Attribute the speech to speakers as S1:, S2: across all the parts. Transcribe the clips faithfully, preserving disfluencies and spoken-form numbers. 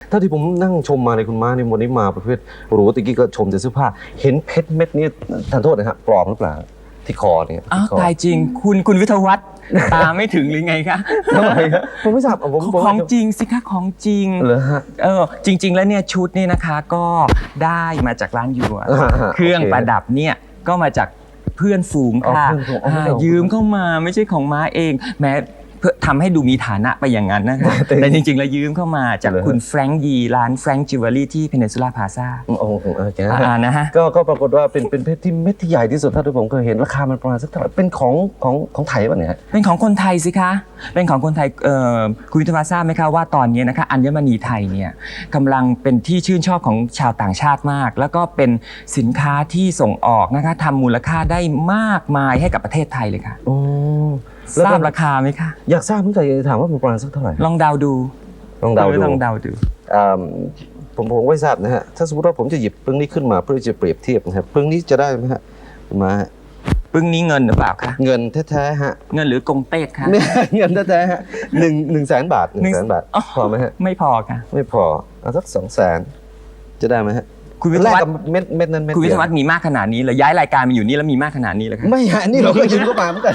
S1: ถ้าที่ผมนั่งชมมาในคุณม้าในวันนี้มาประเภทรู้ตะกี้ก็ชมแต่เสื้อผ้าเห็นเพชรเม็ดนี้ทานโทษนะครับปลอมหรือเปล่าที่คอเนี่ย
S2: อ้าวตายจริงคุณคุณวิทยาวัฒน์ตาไม่ถึงหรือไงคะ
S1: ทำไมครับผมไม่ทราบผม
S2: ของจริงสิคะของจริง
S1: เหรอฮะ
S2: เออจริง ๆ แล้วเนี่ยชุดนี่นะคะก็ได้มาจากร้านยัว
S1: อ่าฮะ
S2: เครื่อง
S1: โอเค
S2: ประดับเนี่ยก็มาจากเพื่อนฝูงค่ะ
S1: อ๋อเพื่อนฝูงอ๋อไม่ใช่
S2: อ่ายืมเข้ามาไม่ใช่ของม้าเองแม้เพื่อทำให้ดูมีฐานะไปอย่างนั้นนะคะ
S1: แต่
S2: แต่จริง ๆ แล้วยืมเข้ามาจาก
S1: เหรอฮะ
S2: คุณแฟรงค์ยีร้านแฟรงค์จิวเวลรี่ที่เพนินซูล่าพลาซ่า
S1: โอ้โหโอเค
S2: อ่านะฮะ
S1: ก็ก็ปรากฏว่าเป็นเป็นเพชรที่เม็ดที่ใหญ่ที่สุดเท่าที่ผมเคยเห็นราคามันประมาณสักเท่าไหร่เป็นของของของไทยป่ะเนี่ย
S2: เป็นของคนไทยสิคะ เป็นของคนไทยเอ่อคุณวิทยาวัฒน์ทราบไหมคะว่าตอนนี้นะคะอัญมณีไทยเนี่ยกำลังเป็นที่ชื่นชอบของชาวต่างชาติมาก แล้วก็เป็นสินค้าที่ส่งออกนะคะทำมูลค่าได้มากมายให้กับประเทศไทยเลยค่ะ
S1: โอ้
S2: ทราบราคาไหมคะ
S1: อยากทราบเหมือนกันอยากจะถามว่ามันประมาณสักเท่าไหร่
S2: ลองเดาดู
S1: ลองเดาดู
S2: ลองเดาดู
S1: อ่าผมผมไม่ทราบนะฮะถ้าสมมติว่าผมจะหยิบปึ้งนี้ขึ้นมาเพื่อจะเปรียบเทียบนะครับปึ้งนี้จะได้ไหมฮะคุณมาฮะ
S2: ปึ้งนี้เงินหรือเปล่าคะ
S1: เงินแท้ๆฮะ
S2: เงินหรือกงเต็กคะ
S1: เนี่ยเงินแท้ๆฮะหนึ่งหนึ่งแสนบาทหนึ่งแสนบาท
S2: อ๋อ
S1: พอไหมฮะ
S2: ไม่พอค่ะ
S1: ไม่พอเอาสักสองแสนจะได้ไหมฮะ
S2: คุณวิท
S1: แล
S2: ยาก วัฒ
S1: กับ
S2: น์
S1: เม็ดเม็ดนั้นเม็ด
S2: คุณวิ
S1: เดี
S2: ท
S1: ย
S2: ยาวัฒน์มีมากขนาดนี้เลยย้ายรายการมาอยู่นี่แล้วมีมากขนาดนี้เลยค่ะ
S1: ไม่ฮะนี่เราก็ยืมเข้ามาเหมือนกัน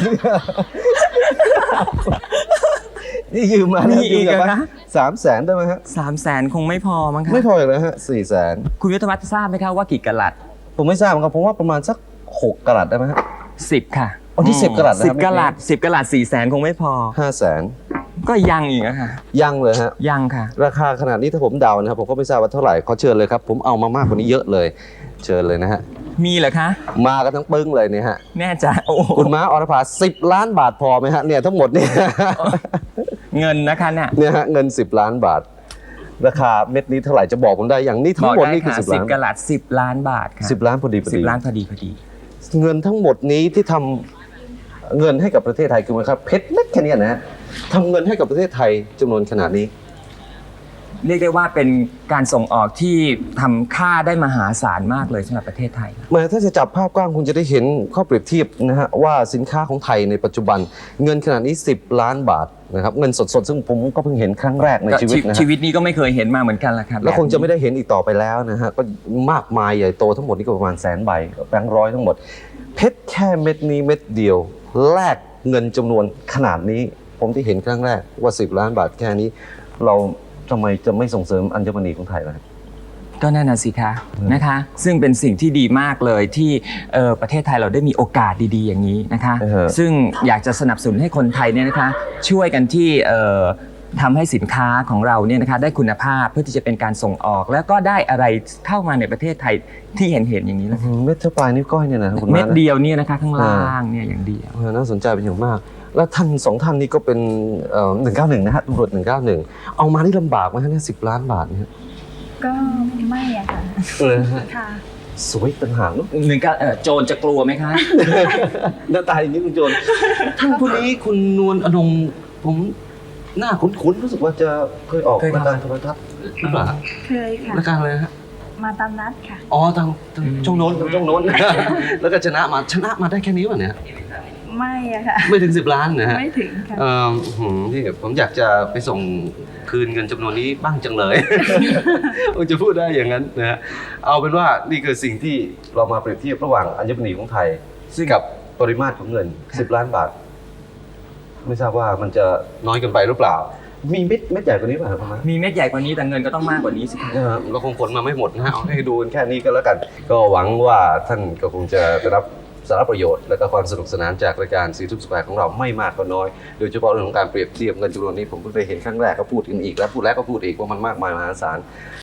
S1: นี่ยืมมา
S2: มี
S1: มี
S2: อีกเหรอคะ
S1: สามแสนได้ไหมฮะ
S2: สามแสนคงไม่พอมั้งคะ
S1: ไม่พออีกแล้วฮะสี่แสน
S2: คุณวิทยาวัฒน์ทราบไหมคะว่ากี่กะลัด
S1: ผมไม่ทราบเหมือนกันผมว่าประมาณสักหกกะรัตได้ไหมฮะ
S2: สิบค่ะ
S1: อ๋อนี่สิบกะรัตนะครับ
S2: สิบกะลัดสิบกะลัดสี่แสนคงไม่พอ
S1: ห้าแสน
S2: ก็ยังอีกอะค่ะ
S1: ยังเลยฮะ
S2: ยังค่ะ
S1: ราคาขนาดนี้ถ้าผมเดานะครับผมก็ไม่ทราบว่าเท่าไหร่ขอเชิญเลยครับผมเอามามากกว่านี้เยอะเลย เชิญเลยนะฮะ
S2: มีเหรอคะ
S1: มากันทั้งปึ้งเลยเนี่ยฮะ
S2: แน่ใจโอ้โห
S1: คุณม้าอรภาสิบล้านบาทพอไหมฮะเนี่ยทั้งหมดเนี่ย
S2: เงินนะคะเนี่ย
S1: เนี่ยฮะเงินสิบล้านบาท ราคาเม็ดนี้เท่าไหร่จะบอกผมได้อย่างนี้
S2: บ
S1: ทั้
S2: อง ก
S1: หมด
S2: ได้
S1: นี่คือ
S2: ค่ะ
S1: สิบ
S2: สิบ
S1: ล้าน
S2: กะลัดสิบล้านบาทค่ะ
S1: สิบล้านพอดีพอ
S2: สิบ
S1: ดี
S2: ล้านพอดีพอดี
S1: เงินทั้งหมดนี้ที่ทำเงินให้กับประเทศไทยคือมันครับเพชรเม็ดแค่เนี้นะฮะทำเงินให้กับประเทศไทยจำนวนขนาดนี้
S2: เรียกได้ว่าเป็นการส่งออกที่ทำค่าได้มหาศาลมากเลยสำหรับประเทศไทย
S1: มาถ้าจะจับภาพกว้างคุณจะได้เห็นข้อเปรียบเทียบนะฮะว่าสินค้าของไทยในปัจจุบัน เงินขนาดนี้สิบล้านบาทนะครับเงินสดๆซึ่งผมก็เพิ่งเห็นครั้งแรกใน
S2: ก็
S1: ชีวิตนะฮะ
S2: ชีวิตนี้ก็ไม่เคยเห็นมาเหมือนกันแหละครับ
S1: แล้วคงจะไม่
S2: แบบนี้
S1: ได้เห็นอีกต่อไปแล้วนะฮะก็มากมายใหญ่โตทั้งหมดนี่ก็ประมาณแสนใบแบงค์ร้อยทั้งหมด เพชรแค่เม็ดนี้เม็ดเดียวแลกเงินจำนวนขนาดนี้ ผมที่เห็นครั้งแรกว่าสิบล้านบาทแค่นี้ เราทำไมจะไม่ส่งเสริมอัญมณีของไทยล่ะ
S2: ก็นั่นน่ะสิคะนะคะ ซึ่งเป็นสิ่งที่ดีมากเลยที่เอ่อประเทศไทยเราได้มีโอกาสดีๆอย่างนี้นะคะ
S1: เออ
S2: ซึ่งอยากจะสนับสนุนให้คนไทยเนี่ยนะคะช่วยกันที่เอ่อทำให้สินค้าของเราเนี่ยนะคะได้คุณภาพเพื่อที่จะเป็นการส่งออก แล้วก็ได้อะไรเข้ามาในประเทศไทยที่เห็นเห็นๆอย่างนี้แหละ
S1: เม็ดเท่าปลายนิ้วก้อยเนี่ยนะคุณ
S2: เม็ด
S1: นะ
S2: เดียวเนี่ยนะคะข้างล่างเนี่ยอย่างเดียว
S1: เออน่าสนใจเป็นอย่างมาก แล้วท่านสองท่านนี้ก็เป็นหนึ่งเก้าหนึ่งนะฮะตำรวจหนึ่งเก้าหนึ่งเอามานี่ลำบากไหมฮะเนี่ยสิบล้านบาทเนี่ย
S3: ก็ไม่อะค่ะ
S1: เลยฮะ
S3: ค่ะ
S1: สวยต่างหากเนอะ
S2: หนึ่งก็เอ่อโจรจะกลัวไหมคะ
S1: หน้าตาอย่างนี้คุณโจรท่านผู้นี้คุณนวลอนงผมหน้าคุ้นๆรู้สึกว่าจะเคยออก
S2: เคย
S1: ราย
S2: ทำ
S1: การโทรทัศน์หรือเปล่าฮะ
S3: เคยค่ะ
S1: รายการอะไรฮะ
S3: มาตามนัดค่ะ
S1: อ๋อทางทางช่องโน้นทางช่องโน้น แล้วก็ชนะมาชนะมาได้แค่นี้วะเนี่ย
S3: ไม่อะค่ะ
S1: ไม่ถึงสิบล้านนะฮะ
S3: ไม่ถึงค่ะ
S1: เอ่อหืมที่ผมอยากจะไปส่งคืนเงินจำนวนนี้บ้างจังเลย ผมจะพูดได้อย่างนั้นนะฮะเอาเป็นว่านี่คือสิ่งที่เรามาเปรียบเทียบระหว่างอัญมณีของไทยกับปริมาตรของเงินสิบล้านบาท ไม่ทราบว่ามันจะน้อยเกินไปหรือเปล่า มีเม็ดเม็ดใหญ่กว่านี้ป่ะครับประมาณ
S2: มีเม็ดใหญ่กว่านี้แต่เงินก็ต้องมากกว่านี้สิคะ
S1: เออเราคงขนมาไม่หมดนะฮะเอาให้ดูกันแค่นี้ก็แล้วกัน ก็หวังว่าท่านก็คงจะได้รับสาระประโยชน์และก็ความสนุกสนานจากรายการซีทูสแควร์ของเราไม่มากก็น้อย โดยเฉพาะเรื่องของการเปรียบเทียบเงินจำนวนนี้ผมเพิ่งได้เห็นครั้งแรกก็พูดกันอีกแล้วพูดแล้วก็พูดอีกว่ามันมากมายมหาศาล